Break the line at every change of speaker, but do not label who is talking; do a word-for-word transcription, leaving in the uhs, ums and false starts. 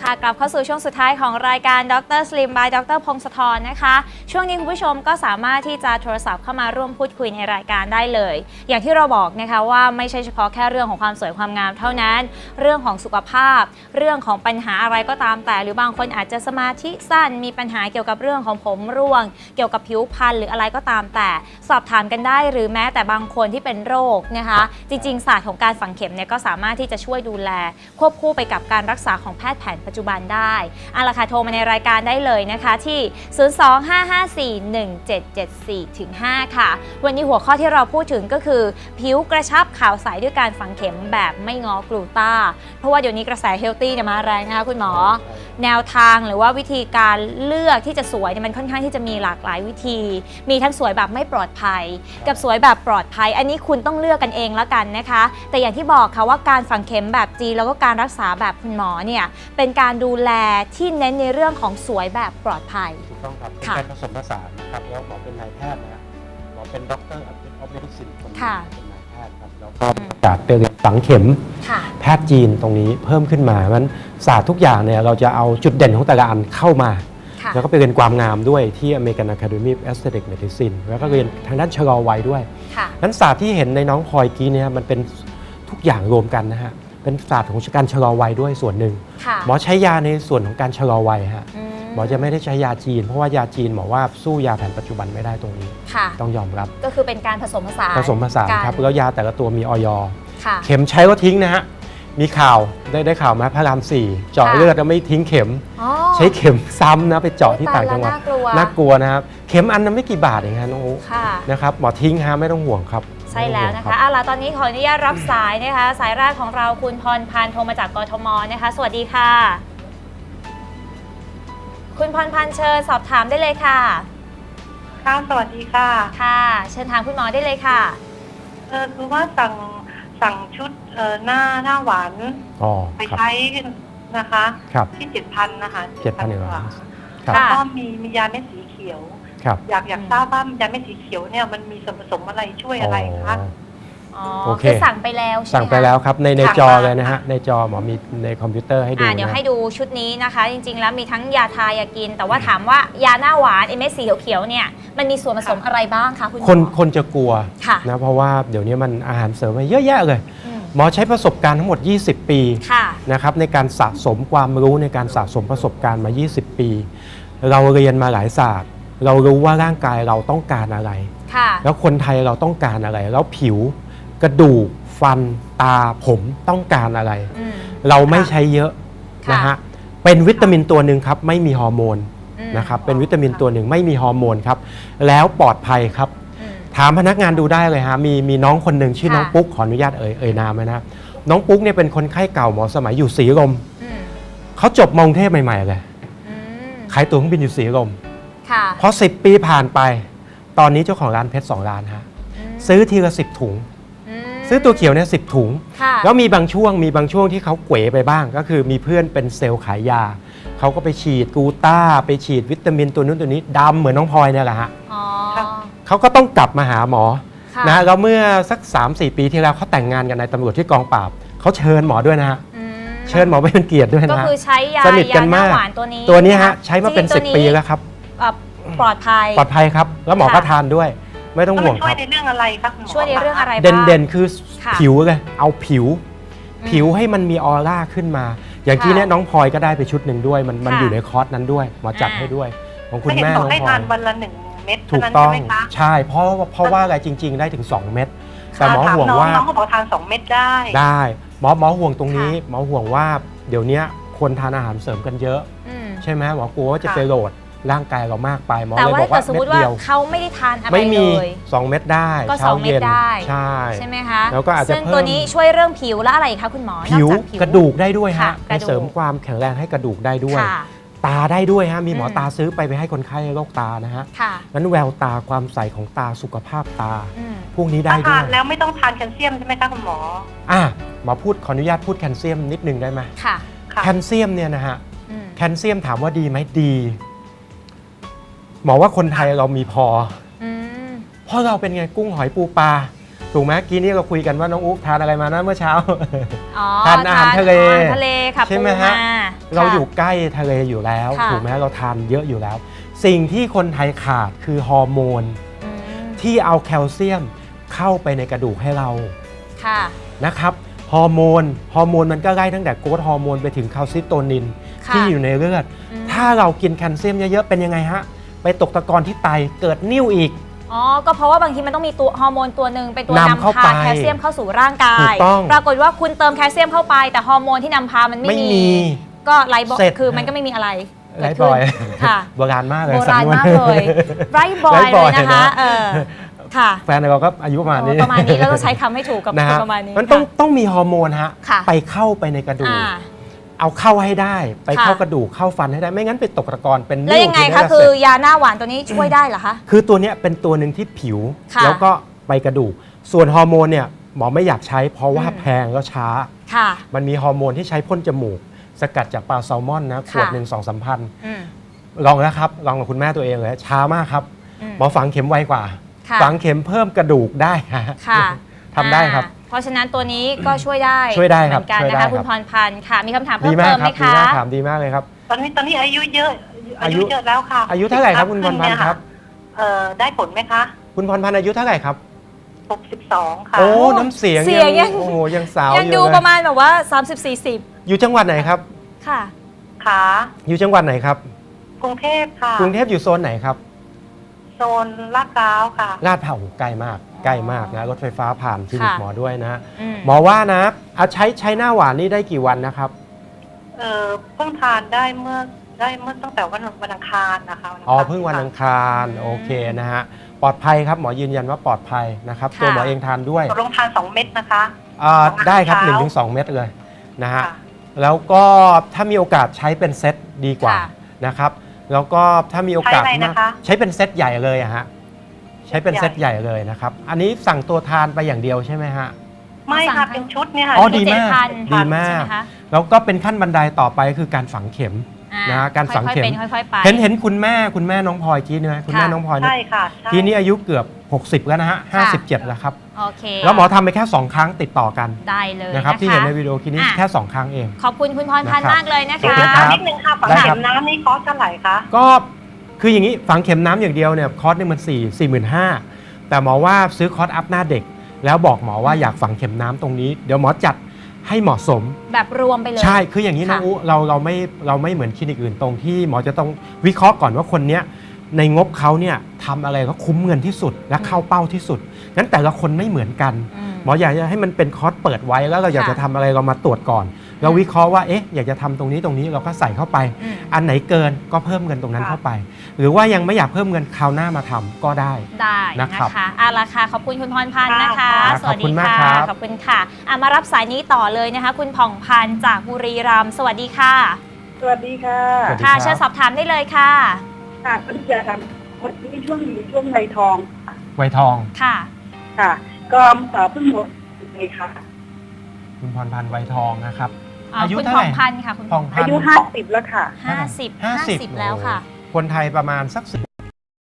ค่ะกลับเข้าสู่ช่วงสุดท้ายของรายการดรสลิม by ดรพงศธรนะคะช่วงนี้คุณผู้ชมก็สามารถที่จะโทรศัพท์เข้ามาร่วมพูดคุยในรายการได้เลยอย่างที่เราบอกนะคะว่าไม่ใช่เฉพาะแค่เรื่องของความสวยความงามเท่านั้นเรื่องของสุขภาพเรื่องของปัญหาอะไรก็ตามแต่หรือบางคนอาจจะสมาธิสั้นมีปัญหาเกี่ยวกับเรื่องของผมร่วงเกี่ยวกับผิวพรรณหรืออะไรก็ตามแต่สอบถามกันได้หรือแม้แต่บางคนที่เป็นโรคนะคะจริงๆศาสตร์ของการฝังเข็มเนี่ยก็สามารถที่จะช่วยดูแลควบคู่ไปกับการรักษาของแพทย์แผนปัจจุบันได้เอาล่ะค่ะโทรมาในรายการได้เลยนะคะที่ ศูนย์ สอง ห้า ห้า สี่ หนึ่ง เจ็ด เจ็ด สี่ ห้า ค่ะวันนี้หัวข้อที่เราพูดถึงก็คือผิวกระชับขาวใสด้วยการฝังเข็มแบบไม่ง้อกลูต้าเพราะว่าเดี๋ยวนี้กระแสเฮลตี้เนี่ยมาแรงนะคะคุณหมอแนวทางหรือว่าวิธีการเลือกที่จะสวยเนี่ยมันค่อนข้างที่จะมีหลากหลายวิธีมีทั้งสวยแบบไม่ปลอดภัยกับสวยแบบปลอดภัยอันนี้คุณต้องเลือกกันเองแล้วกันนะคะแต่อย่างที่บอกค่ะว่าการฝังเข็มแบบจีนแล้วก็การรักษาแบบคุณหมอเนี่ยเป็นการดูแลที่เน้นในเรื่องของสวยแบบปลอดภัย
ถูกต้องครับเป็นการผสมผสานนะครับแล้วหมอเป็นนายแพทย์นะหมอเป็นด็อกเตอร์ออฟเมดิซินคนนี้เป็นนายแพทย์ครับแล้วก็จากไปเรียนฝังเข็มแพทย์จีนตรงนี้เพิ่มขึ้นมามันศาสตร์ทุกอย่างเนี่ยเราจะเอาจุดเด่นของแต่ละอันเข้ามาแล้วก็ไปเรียนความงามด้วยที่ American Academy of Aesthetic Medicine แล้วก็เรียนทางด้านชะลอวัยด้วยนั้นศาสตร์ที่เห็นในน้องพลอยกี้เนี่ยมันเป็นทุกอย่างรวมกันนะฮะเป็นศาสตร์ของการชะลอวัยด้วยส่วนหนึ่งหมอใช้ยาในส่วนของการชะลอวัยฮะหมอจะไม่ได้ใช้ยาจีนเพราะว่ายาจีนหมอว่าสู้ยาแผนปัจจุบันไม่ได้ตรงนี้ต้องยอมรับ
ก็คือเป็นการผสมผสาน
ผสมผสานครับแล้วยาแต่ละตัวมีออยเข็มใช้ก็ทิ้งนะฮะมีข่าวได้ได้ข่าวไหมพระรามสี่เจาะเลือดแล้วไม่ทิ้งเข็มใช้เข็มซ้ำนะไปเจาะที่ต่างจังหวัดน่ากลัวนะครับเข็มอันนั้นไม่กี่บาทเองฮะน้องอุ๊นะครับหมอทิ้งฮะไม่ต้องห่วงครับ
ใช่แล้วนะคะเอาล่ะตอนนี้ขออนุญาตรับสายนะคะสายแรกของเราคุณพรพันธ์โทรมาจากกทมนะคะสวัสดีค่ะคุณพรพันธ์เชิญสอบถามได้เลยค่ะ
ค่ะสวัสดีค่ะ
ค่ะเชิญถามคุณหมอได้เลยค่ะ
เออคือว่าสั่งสั่งชุดเอ่อหน้าหน้าหวานไปใช้นะคะที่เจ็ดพันนะคะ
เจ็ดพันกว่า
แล้วก็มีมียาเม็ดสีเขียวอยากอยากทราบว่ายาเม็ดสีเขียวเนี่ยมันมีส่วนผสมอะไรช่วยอะไรคะ
อ๋อคือสั่งไปแล้ว
สั่งไปแล้วครับในในจอเลยนะฮะในจอหมอมีในคอมพิวเตอร์ให้ดู
เดี๋ยวให้ดูชุดนี้นะคะจริงๆแล้วมีทั้งยาทายากินแต่ว่าถามว่ายาหน้าหวานเม็ดสีเขียวๆเนี่ยมันมีส่วนผสมอะไรบ้างคะคุณหมอ
คนคนจะกลัวนะเพราะว่าเดี๋ยวนี้มันอาหารเสริมมาเยอะแยะเลยหมอใช้ประสบการณ์ทั้งหมดยี่สิบปีนะครับในการสะสมความรู้ในการสะสมประสบการณ์มายี่สิบปีเราเรียนมาหลายศาสตร์เรารู้ว่าร่างกายเราต้องการอะไรแล้วคนไทยเราต้องการอะไรแล้วผิวกระดูกฟันตาผมต้องการอะไรเราไม่ใช้เยอะนะฮะเป็นวิตามินตัวหนึ่งครับไม่มีฮอร์โมนนะครับเป็นวิตามินตัวหนึ่งไม่มีฮอร์โมนครับแล้วปลอดภัยครับถามพนักงานดูได้เลยฮะมีมีน้องคนหนึ่งชื่อน้องปุ๊กขออนุญาตเอ่ยเอ่ยนามนะน้องปุ๊กเนี่ยเป็นคนไข้เก่าหมอสมัยอยู่ศรีลมเขาจบมอกรุงเทพใหม่ๆเลยขายตั๋วเครื่องบินอยู่ศรีลมพอสิบปีผ่านไปตอนนี้เจ้าของร้านเพชรสองร้านฮะซื้อทีละสิบถุงซื้อตัวเขียวเนี่ยสิบถุงแล้วมีบางช่วงมีบางช่วงที่เขาเก๋ไปบ้างก็คือมีเพื่อนเป็นเซลล์ขายยาเขาก็ไปฉีดกูต้าไปฉีดวิตามินตัวนู้นตัวนี้ดำเหมือนน้องพลอยเนี่ยแหละฮะเขาก็ต้องกลับมาหาหมอนะแล้วเมื่อสัก สามสี่ ปีที่แล้วเขาแต่งงานกันในตำรวจที่กองปราบเขาเชิญหมอด้วยนะฮะเชิญหมอไปเป็นเกียรติด้วยนะ
ก็คือใช้ยา
สนิทกันมาก
ตัวนี้
ตัวนี้ฮะใช้มาเป็นสิบปีแล้วครับ
ปลอดภัย
ปลอดภัยครับแล้วหมอก็ทานด้วยไม่ต้องห่วงครับ
ช่วยในเรื่องอะไรครับ
ช่วยในเรื่องอะไรบ้าง
เด่นๆคือผิวเลยเอาผิวผิวให้มันมีออร่าขึ้นมาอย่างที่เนี้ยน้องพลอยก็ได้ไปชุดหนึ่งด้วยมันมันอยู่ในคอร์สนั้นด้วยหมอจัดให้ด้วยของคุณแม่น้องพลอยให้
ทานวันละหนึ่งเม็ด
ถูกต้องใช่เพราะเพราะว่าอะไรจริงๆได้ถึงสองเม็ดแต่หมอห่วงว่า
น้องเขาบอกทานสองเม็ดได้
ได้หมอหมอห่วงตรงนี้หมอห่วงว่าเดี๋ยวนี้คนทานอาหารเสริมกันเยอะใช่ไหมหมอกลัวว่าจะไปโหลดร่างกายเรามากไปหมอเลยบอกว่าเม็ดเดียว
เขาไม่ได้ทานอะไรเลย
ไม่มีสองเม็ดได้
ก็สองเม็ดได้
ใช่
ใช่ไหมคะ
แล้วก็อาจจะ
ซึ่งตัวนี้ช่วยเรื่องผิวและอะไรคะคุณหมอ
ผิวกระดูกได้ด้วยฮะเสริมความแข็งแรงให้กระดูกได้ด้วยตาได้ด้วยฮะมีหมอตาซื้อไปไปให้คนไข้โรคตานะฮะนั้นแววตาความใสของตาสุขภาพตาพวกนี้ได้ด้วย
แล้วไม่ต้องทานแคลเซียมใช่ไหมคะคุณหมอ
อ่ะหมอพูดขออนุญาตพูดแคลเซียมนิดนึงได้ไหม
ค่ะ
แคลเซียมเนี่ยนะฮะแคลเซียมถามว่าดีไหมดีหมอว่าคนไทยเรามีพอเพราะเราเป็นไงกุ้งหอยปูปลาถูกไหมกี้นี้เราคุยกันว่าน้องอุ๊บทานอะไรมานะเมื่อเช้าทานอาหารทะเล
ทะเลค่ะ
ใช่ไหมฮะเราอยู่ใกล้ทะเลอยู่แล้วถูกไหมเราทานเยอะอยู่แล้ว สิ่งที่คนไทยขาดคือฮอร์โมนที่เอาแคลเซียมเข้าไปในกระดูกให้เราค่ะนะครับฮอร์โมนฮอร์โมนมันก็ไล่ตั้งแต่โกรทฮอร์โมนไปถึงคาลซิโตนินที่อยู่ในเลือดถ้าเรากินแคลเซียมเยอะๆเป็นยังไงฮะไปตกตะกอนที่ไตเกิดนิ่วอีก
อ๋อก็เพราะว่าบางทีมันต้องมีตัวฮอร์โมนตัวหนึ่งเป็นตัวนำพาแคลเซียมเข้าสู่ร่างกายปรากฏว่าคุณเติมแคลเซียมเข้าไปแต่ฮอร์โมนที่นำพามันไม่มีก็ไร้บอยคือมันก็ไม่มีอะไร
ไร้บอยค่ะโบราณมากเลย
โบราณมากเลยไร้บอยเลยนะคะเออค่ะ
แฟนเราก็อายุประมาณนี้
ประมาณนี้แล้วก็ใช้คำให้ถูกกับคนประมาณนี้
มันต้องต้องมีฮอร์โมนฮะไปเข้าไปในกระดูกเอาเข้าให้ได้ไปเข้ากระดูกเข้าฟันให้ได้ไม่งั้นไปตกตะกอนเป็นนิ่ว
แล้วยังไงคะคือยาหน้าหวานตัวนี้ช่วยได้เหรอคะ
คือตัวนี้เป็นตัวหนึ่งที่ผิวแล้วก็ไปกระดูกส่วนฮอร์โมนเนี่ยหมอไม่อยากใช้เพราะว่าแพงแล้วช้ามันมีฮอร์โมนที่ใช้พ่นจมูกสกัดจากปลาแซลมอนนะขวดหนึ่งสองสามพันลองแล้วครับลองกับคุณแม่ตัวเองเลยช้ามากครับหมอฝังเข็มไวกว่าฝังเข็มเพิ่มกระดูกได้ทำได้ครับ
เพราะฉะนั้นตัวนี้ก็ช่วยได้
ช่วยได้ครับ
เหมือนกันนะคะคุณพรพันธ์ค่ะมีคำถามเพิ่มเติมไหมคะ
ถามดีมากเลยครับ
ตอนนี้ตอนนี้อายุเยอะอายุเยอะแล้วค่ะ
อายุเท่าไหร่ครับคุณพรพันธ์ครับ
เอ่อได้ผลไหมคะ
คุณพรพันธ์อายุเท่าไหร่ครับ
หกสิบสองค่ะ
โอ้น้ำเสียงยังโอ้ยังสาว
ยังดูประมาณแบบว่าสามสิบ สี่สิบ
อยู่จังหวัดไหนครับ
ค่ะ
ค่ะ
อยู่จังหวัดไหนครับ
กรุงเทพค่ะ
กรุงเทพอยู่โซนไหนครับ
โซนลาดพร้าวค่ะ
ลาดพร้าวใกล้มากใกล้มากนะรถไฟฟ้าผ่านคลินิกหมอด้วยนะหมอว่านะเอาใช้ใช้หน้าหวานนี่ได้กี่วันนะครับ
เออเพิ่งทานได้เมื่อได้เมื่อตั้งแต่วันวันอังคารนะคะ
อ๋อเพิ่งวันอังคารโอเคนะฮะปลอดภัยครับหมอยืนยันว่าปลอดภัยนะครับตัวหมอเองทานด้วย
ลงทานสองเม็ดนะคะ
อ่าได้ครับ หนึ่งถึงสอง เม็ดเลยนะฮะแล้วก็ถ้ามีโอกาสใช้เป็นเซตดีกว่านะครับแล้วก็ถ้ามีโอกาสใช้เป็นเซตใหญ่เลยอะฮะใช้เป็นเซตใหญ่เลยนะครับอันนี้สั่งตัวทานไปอย่างเดียวใช่ไหมฮะ
ไม่ค่ะเป็นชุดเนี่ยค่ะ
อ๋อดีมากดีมากแล้วก็เป็นขั้นบันไดต่อไปคือการฝังเข็มนะการฝังเข็มเห็นเห็นคุณแม่คุณแม่น้องพลอยกี้นี่ไหมคุณแม่น้องพลอย
ใช่ค่ะ
ทีนี้อายุเกือบหกสิบแล้วนะฮะห้าสิบเจ็ดแล้วครับ
โอเค
แล้วหมอทำไปแค่สองครั้งติดต่อกัน
ได้เลย
นะครับที่เห็นในวิดีโอคลิปนี้แค่สองครั้งเอง
ขอบคุณคุณพรพันธ์มากเลยนะคะ
นิดนึงค่ะฝังเข็มน้ำนี่คอสเท่าไหร่คะ
ก็คืออย่างนี้ฝังเข็มน้ำอย่างเดียวเนี่ยคอร์สนึงมันสี่สี่หมื่นห้าแต่หมอว่าซื้อคอร์สอัพหน้าเด็กแล้วบอกหมอว่าอยากฝังเข็มน้ำตรงนี้เดี๋ยวหมอจัดให้เหมาะสม
แบบรวมไปเลย
ใช่คืออย่างนี้นะอุ๊เราเราไม่เราไม่เหมือนคลินิกอื่นตรงที่หมอจะต้องวิเคราะห์ก่อนว่าคนเนี้ยในงบเขาเนี่ยทำอะไรก็คุ้มเงินที่สุดและเข้าเป้าที่สุดงั้นแต่ละคนไม่เหมือนกันหมออยากจะให้มันเป็นคอร์สเปิดไว้แล้วเราอยากจะทำอะไรเรามาตรวจก่อนเราวิเคราะห์ว่าเอ๊ะอยากจะทำตรงนี้ตรงนี้เราก็ใส่เข้าไปอันไหนเกินก็เพิ่มเงินตรงนั้นเข้าไปหรือว่ายังไม่อยากเพิ่มเงินคราวหน้ามาทำก็ได้
ได้นะคะเอาละค่ะขอบคุณคุณพรพันธ์นะคะสวัสดีค่ะขอบคุณค่ะมารับสายนี้ต่อเลยนะคะคุณผ่องพันธ์จากบุรีรัมย์สวัสดีค่ะ
สวัสดีค่ะ
ค่ะเชิญสอบถามได้เลยค่ะ
ค่ะคุณจะทำวันนี้ช่วงนี้ช่วงไวทอง
ไวทอง
ค่ะ
ค่ะก็เพิ่งหมดเลยค่ะ
คุณพรพันธ์ไวทองนะครับ
อายุเท่าไหร่พันค่ะคุณ
อายุห้าสิบแล้วค่ะ
ห้าสิบห้าสิบแล้วค่ะ
คนไทยประมาณสักสิบ